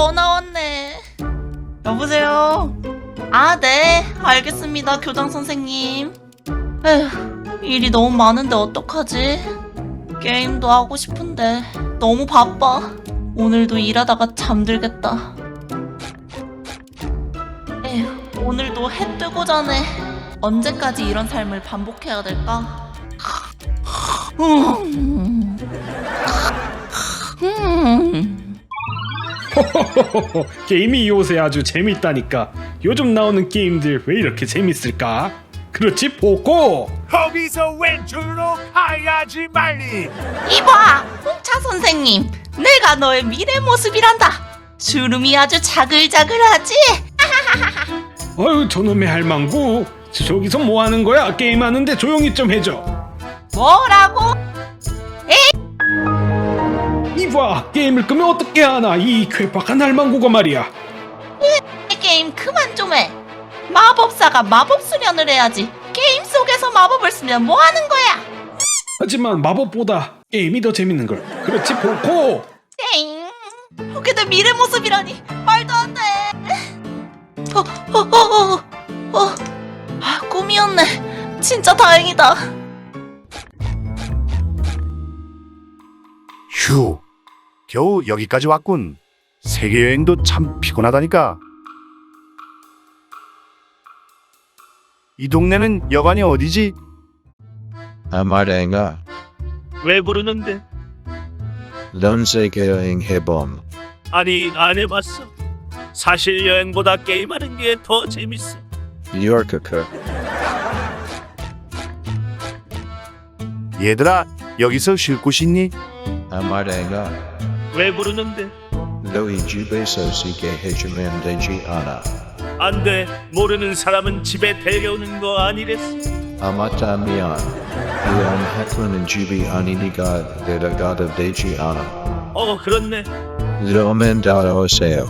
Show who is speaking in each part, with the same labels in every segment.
Speaker 1: 전화 왔네. 여보세요? 아, 네. 알겠습니다, 교장 선생님. 에휴, 일이 너무 많은데 어떡하지? 게임도 하고 싶은데 너무 바빠. 오늘도 일하다가 잠들겠다. 에휴, 오늘도 해 뜨고 전에 언제까지 이런 삶을 반복해야 될까?
Speaker 2: 게임이 요새 아주 재밌다니까. 요즘 나오는 게임들 왜 이렇게 재밌을까? 그렇지, 보고.
Speaker 3: 거기서 왼쪽으로 가야지 말리.
Speaker 1: 이봐, 홍차 선생님. 내가 너의 미래 모습이란다. 주름이 아주 자글자글하지?
Speaker 2: 어휴, 저놈의 할망구. 저기서 뭐 하는 거야? 게임하는데 조용히 좀 해줘.
Speaker 1: 뭐라고?
Speaker 2: 이봐, 게임을 끄면 어떻게 하나? 이 괴팍한 할망구가 말이야.
Speaker 1: 게임 그만 좀 해. 마법사가 마법 수련을 해야지. 게임 속에서 마법을 쓰면 뭐 하는 거야?
Speaker 2: 하지만 마법보다 게임이 더 재밌는 걸. 그렇지, 보고.
Speaker 1: 땡. 그게 내 미래 모습이라니. 말도 안 돼. 아, 꿈이었네. 진짜 다행이다.
Speaker 3: 휴, 겨우 여기까지 왔군. 세계 여행도 참 피곤하다니까. 이 동네는 여관이 어디지?
Speaker 4: 아마랭아,
Speaker 5: 왜 부르는데?
Speaker 4: 넌 세계여행 해봄.
Speaker 5: 아니, 안 해봤어. 사실 여행보다 게임하는 게 더 재밌어.
Speaker 4: 요르크크.
Speaker 3: 얘들아, 여기서 쉴 곳이 있니?
Speaker 4: 아마랭아,
Speaker 5: 왜 부르는데?
Speaker 4: 너희 집에서 쉬게 해주면 되지 않아.
Speaker 5: 안 돼. 모르는 사람은 집에 데려오는 거 아니랬어.
Speaker 4: 아마타 미안. 이런 학교는 집이 아니니까 데려가도 되지 않아.
Speaker 5: 그렇네.
Speaker 4: 그러면 따라오세요.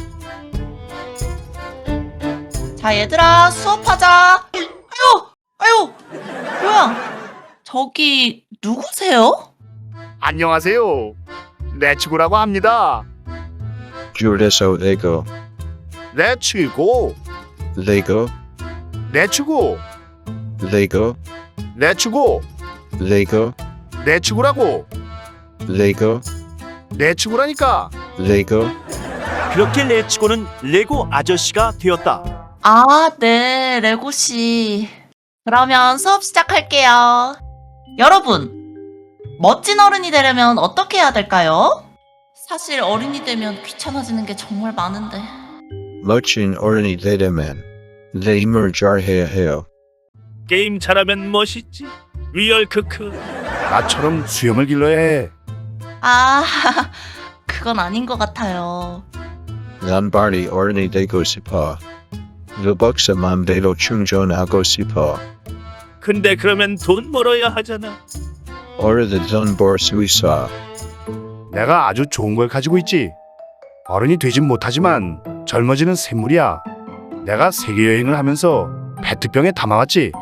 Speaker 1: 자, 얘들아, 수업하자. 아유, 뭐야? 저기 누구세요?
Speaker 3: 안녕하세요. 레츠고라고 합니다.
Speaker 4: 줄에서 레고,
Speaker 3: 레츠고,
Speaker 4: 레고,
Speaker 3: 레츠고,
Speaker 4: 레고,
Speaker 3: 레츠고,
Speaker 4: 레고,
Speaker 3: 레츠고라고.
Speaker 4: 레고,
Speaker 3: 레츠고라니까.
Speaker 4: 레고.
Speaker 6: 그렇게 레츠고는 레고 아저씨가 되었다.
Speaker 1: 아, 네, 레고씨. 그러면 수업 시작할게요. 여러분, 멋진 어른이 되려면 어떻게 해야 될까요? 사실 어른이 되면 귀찮아지는 게 정말 많은데.
Speaker 4: 멋진 어른이 되려면 내 힘을 잘해야 해요.
Speaker 5: 게임 잘하면 멋있지. 리얼 크크.
Speaker 3: 나처럼 수염을 길러야 해.
Speaker 1: 아, 그건 아닌 것 같아요.
Speaker 4: 난 빨리 어른이 되고 싶어. 루벅스 맘대로 충전하고 싶어.
Speaker 5: 근데 그러면 돈 벌어야 하잖아.
Speaker 4: 어른들 돈 벌 수 있어.
Speaker 3: 내가 아주 좋은 걸 가지고 있지. 어른이 되진 못하지만 젊어지는 샘물이야. 내가 세계 여행을 하면서 페트병에 담아왔지.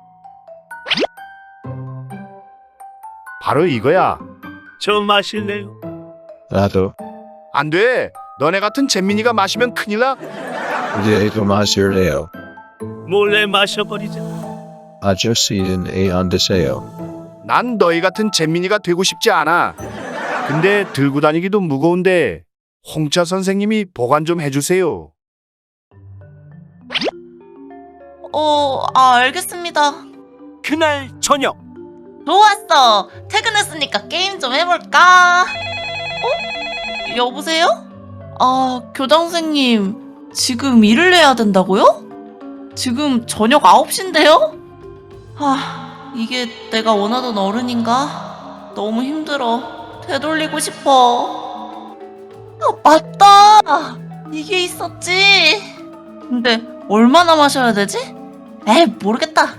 Speaker 3: 바로 이거야.
Speaker 5: 저 마실래요?
Speaker 4: 나도
Speaker 3: 안 돼. 너네 같은 잼민이가 마시면 큰일 나.
Speaker 4: 얘도 마실래요.
Speaker 5: 몰래 마셔버리자.
Speaker 4: 아저씨는 애 안 드세요.
Speaker 3: 난 너희 같은 잼민이가 되고 싶지 않아. 근데 들고 다니기도 무거운데 홍차 선생님이 보관 좀 해주세요.
Speaker 1: 알겠습니다.
Speaker 6: 그날 저녁
Speaker 1: 좋았어. 퇴근했으니까 게임 좀 해볼까? 여보세요? 아, 교장 선생님, 지금 일을 해야 된다고요? 지금 저녁 9시인데요? 이게 내가 원하던 어른인가? 너무 힘들어. 되돌리고 싶어. 맞다! 이게 있었지. 근데 얼마나 마셔야 되지? 에이, 모르겠다.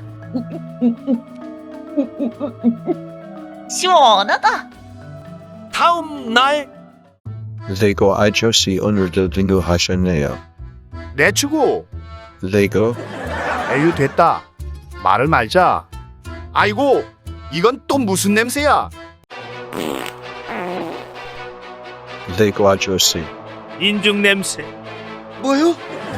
Speaker 1: 시원하다.
Speaker 6: 다음 날
Speaker 4: 레고 아저씨 오늘도 등교하셨네요.
Speaker 3: 레츠고.
Speaker 4: 레고
Speaker 3: 에휴, 됐다. 말을 말자. 아이고, 이건 또 무슨 냄새야?
Speaker 4: 레고 아저씨
Speaker 5: 인중 냄새.
Speaker 6: 뭐요?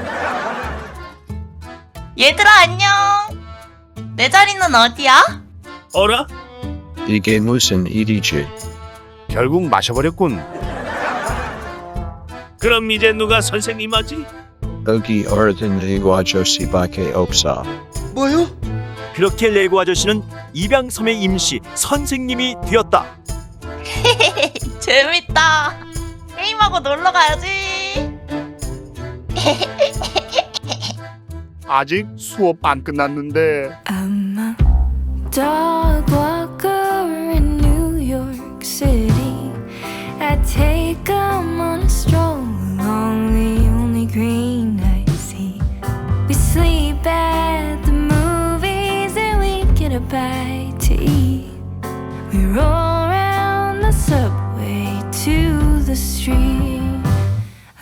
Speaker 1: 얘들아 안녕. 내 자리는 어디야?
Speaker 5: 어라?
Speaker 4: 이게 무슨 일이지?
Speaker 3: 결국 마셔버렸군.
Speaker 5: 그럼 이제 누가 선생님 하지?
Speaker 4: 여기 어른 레고 아저씨밖에 없어.
Speaker 6: 뭐요? 그렇게 레고 아저씨는 입양섬의 임시 선생님이 되었다.
Speaker 1: 재밌다. 게임하고 놀러 가야지.
Speaker 3: 아직 수업 안 끝났는데.
Speaker 7: I'm a dog walker in New York City. I take 'em on a stroll along the only green I see. We sleep at the movies and we get a bite to eat. We roll around the subway to the street.